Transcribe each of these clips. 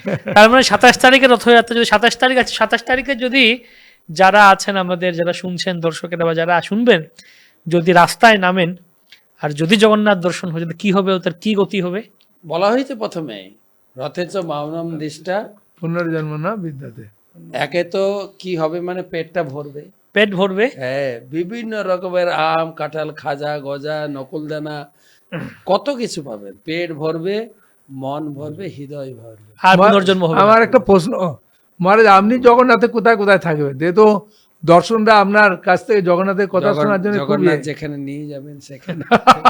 তার মানে 27 তারিখে রথযাত্রা, যদি 27 তারিখ আছে, 27 তারিখে যদি যারা আছেন আমাদের, যারা শুনছেন দর্শকেরা বা যারা শুনবেন, যদি রাস্তায় নামেন আর যদি জগন্নাথ দর্শন হয়ে যায়, কি হবে, তার কি গতি হবে? বলা হয়েছে প্রথমে রথে চ মাউনম দিষ্টা, পুনর্জন্ম না বিদ্যাতে। একে তো কি হবে মানে পেটটা ভরবে, পেট ভরবে, হ্যাঁ, বিভিন্ন রকমের আম কাঁঠাল খাজা গজা নকুলদানা কত কিছু পাবেন, পেট ভরবে, মন ভরবে, হৃদয় ভরবে। আর পুনর্জন্ম হবে না। আমার একটা প্রশ্ন, মহারাজ আপনি জগন্নাথে কোথায় কোথায় থাকবেন? যে তো দর্শনটা আপনার কাছ থেকে জগন্নাথের কথা শোনার জন্য খুব জগন্নাথ যেখানে নিয়ে যাবেন সেখানে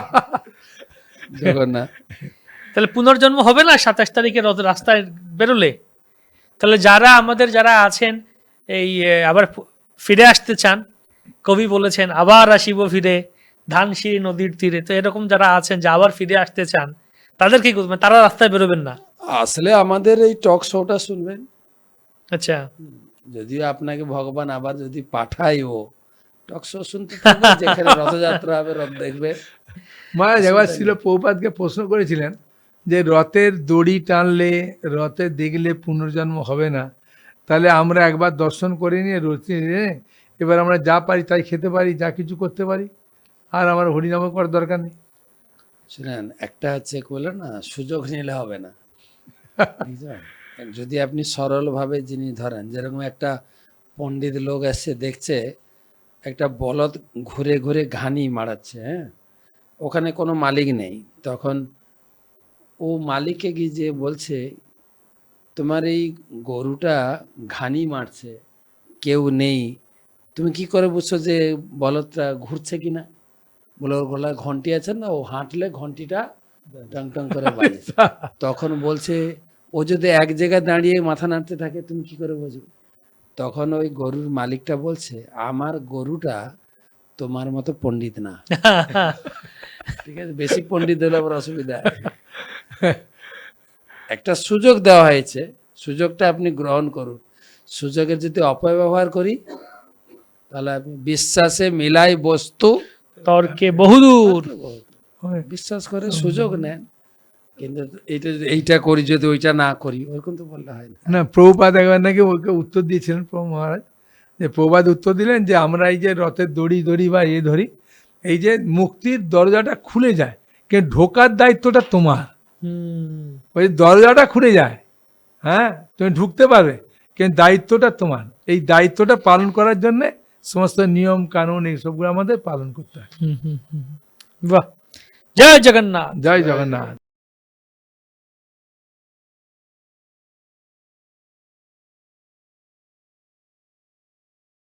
জগন্নাথ। তাহলে পুনর্জন্ম হবে না 27 তারিখে রথ রাস্তায় বেরোলে? তাহলে যারা আমাদের যারা আছেন এই আবার ফিরে আসতে চান, কবি বলেছেন আবার আসিব ফিরে ধানসিঁড়ি নদীর তীরে, তো এরকম যারা আছেন যে আবার ফিরে আসতে চান, তাদের কি করবেন? তারা রাস্তায় বেরোবেন না? আসলে আমাদের এই টক শোটা শুনবেন, আচ্ছা, যদিও আপনাকে ভগবান আবার যদি পাঠায়, ও টক শো শুনতে থাকবেন, যেখানে রথযাত্রা হবে রথ দেখবে। মহারাজ একবার ছিল প্রভুপাদকে প্রশ্ন করেছিলেন যে রথের দড়ি টানলে, রথে দেখলে পুনর্জন্ম হবে না, তাহলে আমরা একবার দর্শন করে নিয়ে রথে এবার আমরা যা পারি তাই খেতে পারি, যা কিছু করতে পারি, আর আমার হরিনাম করার দরকার নেই। শুনেন, একটা হচ্ছে বলে না, সুযোগ নিলে হবে না, বুঝলেন? যদি আপনি সরলভাবে জিনিস ধরেন, যেরকম একটা পণ্ডিত লোক এসে দেখছে একটা বলদ ঘুরে ঘুরে ঘানি মারাচ্ছে, হ্যাঁ, ওখানে কোনো মালিক নেই, তখন ও মালিককে গিয়ে যে বলছে তোমার এই গরুটা ঘানি মারছে, কেউ নেই, তুমি কি করে বুঝছো যে বলদটা ঘুরছে কিনা? বলে ওর গলায় ঘন্টি আছে না, ও হাঁটলে ঘন্টিটা টং টং করে বাজে। তখন বলছে ও যদি এক জায়গায় দাঁড়িয়ে মাথা নাড়তে থাকে তুমি কি করে বুঝবে? তখন ওই গরুর মালিকটা বলছে আমার গরুটা তোমার মতো পণ্ডিত না, ঠিক আছে, বেশি পণ্ডিত হলে আবার অসুবিধা আছে। একটা সুযোগ দেওয়া হয়েছে, সুযোগটা আপনি গ্রহণ করুন। সুযোগের যদি অপব্যবহার করি তাহলে আপনি বিশ্বাসে মিলাই বস্তু তর্কে বহুদূর। বিশ্বাস করে সুযোগ নেন, কিন্তু এইটা করি যদি ওইটা না করি, ওরকম তো বললে হয় না। না, প্রভুপাদ একবার নাকি ওকে উত্তর দিয়েছিলেন প্রভু মহারাজ, যে প্রভুপাদ উত্তর দিলেন যে আমরা এই যে রথের দড়ি ধরি বা ধরি, এই যে মুক্তির দরজাটা খুলে যায়, কিন্তু ঢোকার দায়িত্বটা তোমার। ওই দরজাটা খুলে যায়, হ্যাঁ, তুমি ঢুকতে পারবে, কিন্তু দায়িত্বটা তোমার। এই দায়িত্বটা পালন করার জন্য সমস্ত নিয়ম কানুন এইসবগুলো আমাদের পালন করতে হয়। বাহ, জয় জগন্নাথ। জয় জগন্নাথ।